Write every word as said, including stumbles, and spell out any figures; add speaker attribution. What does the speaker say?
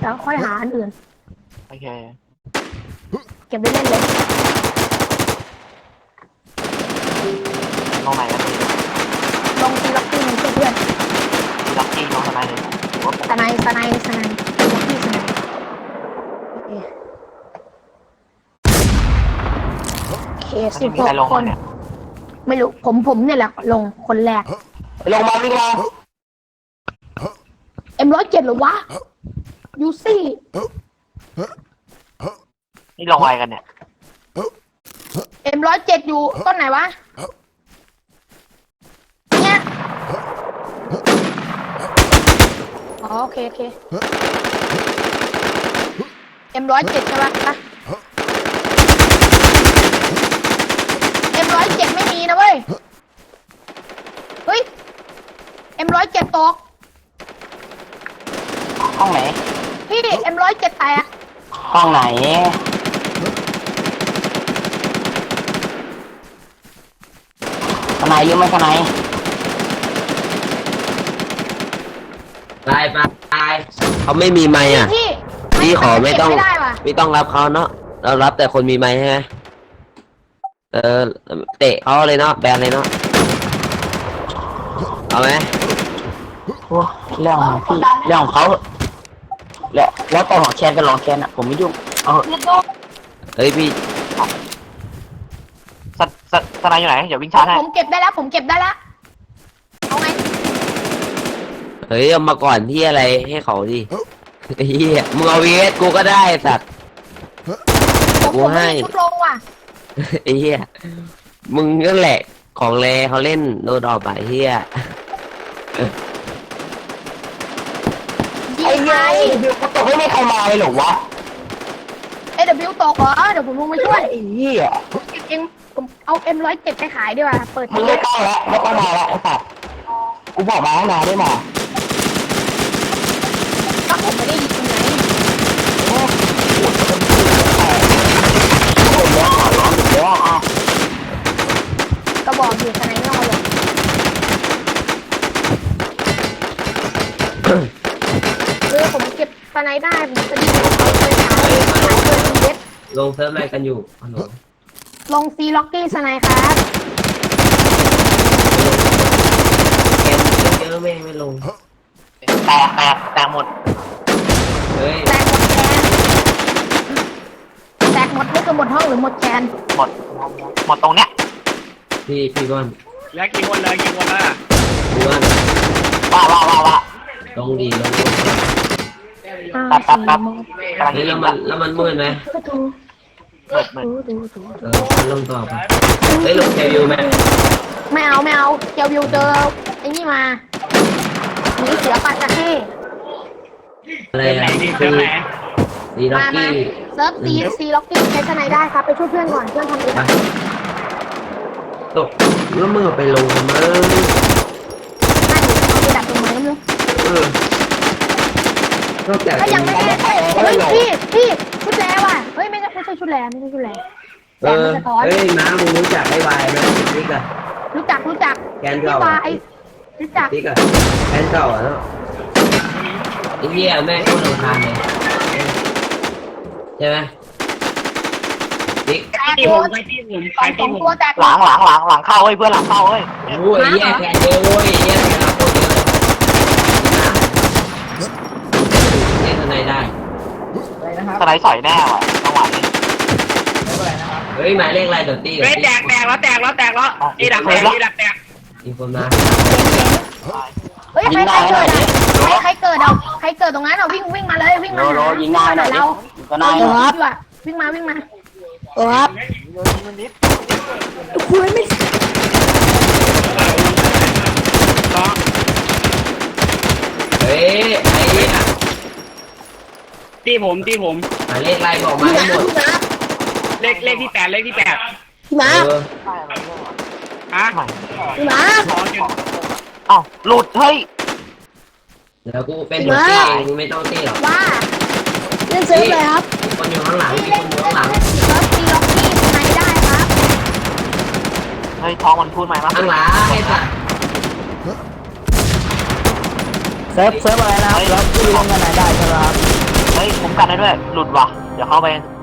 Speaker 1: แล้วค่อยหาอันอื่น
Speaker 2: โอเค
Speaker 1: เก็บไว้เล่นเลย
Speaker 2: ลงไหนกันดี
Speaker 1: ลงตีล็อกกี้เพื่อนเพื่อน
Speaker 2: ตีล็อกกี้ลงทำไมเลย
Speaker 1: สไนสไนสไนล็อกกี้สไนโอเคสิบหกคนไม่รู้ผมผมเนี่ยแหละลงคนแรก
Speaker 2: ลงมาวิ่งมา
Speaker 1: เอ็มร้อยเจ็ดหรอวะยูซี่
Speaker 2: นี่ลงอะไรกันเนี่ย
Speaker 1: เอ็มร้อยเจ็ดอยู่ต้นไหนวะเนี่ยอ๋อโอเคโอเคเอ็มร้อยเจ็ดใช่ปะเอ็มร้อยเจ็ดไม่มีนะเว้ยเฮ้ยเอ็มร้อยเจ็ดตก
Speaker 2: ห้องไหน
Speaker 1: พี่เอ็มร้อยเจ็ดแตก
Speaker 2: ห้องไหนทนายเยอะไหมทนาย
Speaker 3: ตายไปตายเขาไม่มีไม้อ่ะพี่ขอไม่ต้องไม่ต้องรับเขาเนาะเรารับแต่คนมีไม้ใช่ไหมเออเตะเขาเลยเนาะแบนเลยเนาะเอาไหม
Speaker 2: โอ้เรื่องของพี่เรื่องของเขาแล้วแล้วแต่ของแคนกับรองแคนอ่ะผมไม่ยุ่งเออ
Speaker 3: เฮ้ยพี่
Speaker 2: สสสนายอยู่ไหนเดี๋ยววิ่งชาร์จให้
Speaker 1: ผมเก็บได้แล้วผมเก็บได้แล้วเอาไง
Speaker 3: เฮ้ยเอามาก่อนที่อะไรให้เขาดิเฮียมึงเอาวีเอสกูก็ได้สัตว์
Speaker 1: กูให้ชุดลงว่ะ
Speaker 3: เฮียมึงนั่นแหละของเลเขาเล่นโดนดอกไปเฮีย
Speaker 1: ไอ้ไง
Speaker 2: เดี๋ยวตกไม่มีใครมาเลยหรอวะ
Speaker 1: เอเดบิวตกเหรอเดี๋ยวผมลงมาช่วย
Speaker 2: ไอ้เหี้ย
Speaker 1: ผมเก็บเองผมเอาเอ็มร้อยเจ็ดไปขายดีกว่าเปิด
Speaker 2: มึงไม่ต้องแล้วไม่ต้องมาแล้วไอ้สัตว์กูบอกมาแล้วนะได้มา
Speaker 1: ก็ผมไม่ได้ยินตรงไหนก็บอกอยู่ทนายนอกเลยเออผมเก็บทนายได้ผมจะดีเขาเคยขายขายเกินเด็ด
Speaker 3: ลงเซิร์ฟอะไรกันอยู่ฮัลโหล
Speaker 1: ลงซีล็อกกี้ทนายครับ
Speaker 3: เกมเยอะไม่ไม่ลง
Speaker 2: แตกแตกแตกหมด
Speaker 3: เฮ้ย
Speaker 1: แตกหมดแคนแตกหมดนี่คือหมดห้องหรือหมดแคน
Speaker 2: หมดหมดตรงเนี้ย
Speaker 3: พี่พี่ก้อน
Speaker 2: แล้วกี่คนเลยกี่คนละ
Speaker 3: พี่ก้อน
Speaker 2: ว้าว้าว้าว้า
Speaker 3: ลงดีลง
Speaker 2: ปั๊บปั๊บปั๊บ
Speaker 3: นี่แล้วมันแล้วมันมืดไหม
Speaker 2: มืดมืด
Speaker 3: เออฉันลงต่อไปเฮ้ยลงเทวิวไหม
Speaker 1: ไม่เอาไม่เอาเจลวิวเจอไอ้นี่มาหนีเสือปาจะให้
Speaker 3: อะไรอะคือซีล็อกกี้
Speaker 1: เซิร์ฟซีซีล็อกกี้ใช้ทนายได้ครับไปช่วยเพื่อนก่อนเพื่อนทำเอง
Speaker 3: ตกแล้วมึงไปลงทำไม
Speaker 1: น่าอยู่เอาไปดักตรงไหนมึง
Speaker 3: เออ
Speaker 1: ก็ยังไม่ได้เฮ้ยพี่พี่ชุดแล้วอ่ะเฮ้ยไม่ใช่ไม่ใช่ชุดแล้วไม่ใช่ชุดแล้ว
Speaker 3: เออเฮ้ยม้ามึงรู้จักไอ้วายไหมนี่กะ
Speaker 1: รู้จักรู้จัก
Speaker 3: แกนเก่า
Speaker 1: ไอ้รู้จัก
Speaker 3: นี่กะแกนเก่าอ่ะเนาะไอ้เหี้ยแม่งโคตรรำคาญเลยใช่ไหม
Speaker 2: ติ๊กที่ผมไปที่ผมไปที่ผมหลังหลังหลังหลังเข้าเฮ้ยเพื่อนหลังเข้าเฮ้ย
Speaker 3: โอ้ยแย่แกนเยอะโว้ยแย่แกนเราโคตรเยอะเล่นอะไรได้
Speaker 2: สไลด์สอยแน่ว่ะจังหวะนี้
Speaker 3: เฮ้ยหมายเลขอะไรตัวตี้
Speaker 2: เฮ้ยแตกแตกแล้วแตกแล้วแตกแล้วอีดักแตกอีดักแตก
Speaker 3: อีโฟมา
Speaker 1: เฮ้ยใครใครเกิดอ่ะใครใครเกิดเอาใครเกิดตรงนั้นเอาวิ่งวิ่งมาเลยวิ่งมา
Speaker 2: โรยิงง่ายหน่อย
Speaker 1: เรา
Speaker 2: ก็นาย
Speaker 1: ครับวิ่งมาวิ่งมาครับคุยไม่
Speaker 3: เฮ้ยไอ้เนี่ย
Speaker 2: ตีผมตีผม
Speaker 3: หมายเลขอะไรบอกมาให้หมด
Speaker 2: เลขเลขที่แปดเลขที่แปด
Speaker 1: พี่มา
Speaker 2: ฮะ
Speaker 1: พี่มา
Speaker 2: อ้าวหลุดเฮ้ย
Speaker 3: เดี๋ยวกูเป็นหนุ่มตีเองไม่ต้องตีหรอก
Speaker 1: ว่าเล่นเซิร์ฟเลยครับ
Speaker 3: คนอยู่ข้างหลังมีคนอยู่ข้างหลัง
Speaker 1: เซิร์ฟตีล็อกกี้ทนายได้ครับ
Speaker 2: เฮ้ยท้องมันพูดใหม่มาก
Speaker 3: ข้างหลังไอ้สัส
Speaker 4: เซิร์ฟเซิร์ฟอะไรนะครับแล้วที่ลงกันไหนได้ครับ
Speaker 2: เฮ้ยด้วย หลุดว่ะ เดี๋ยวเข้าไป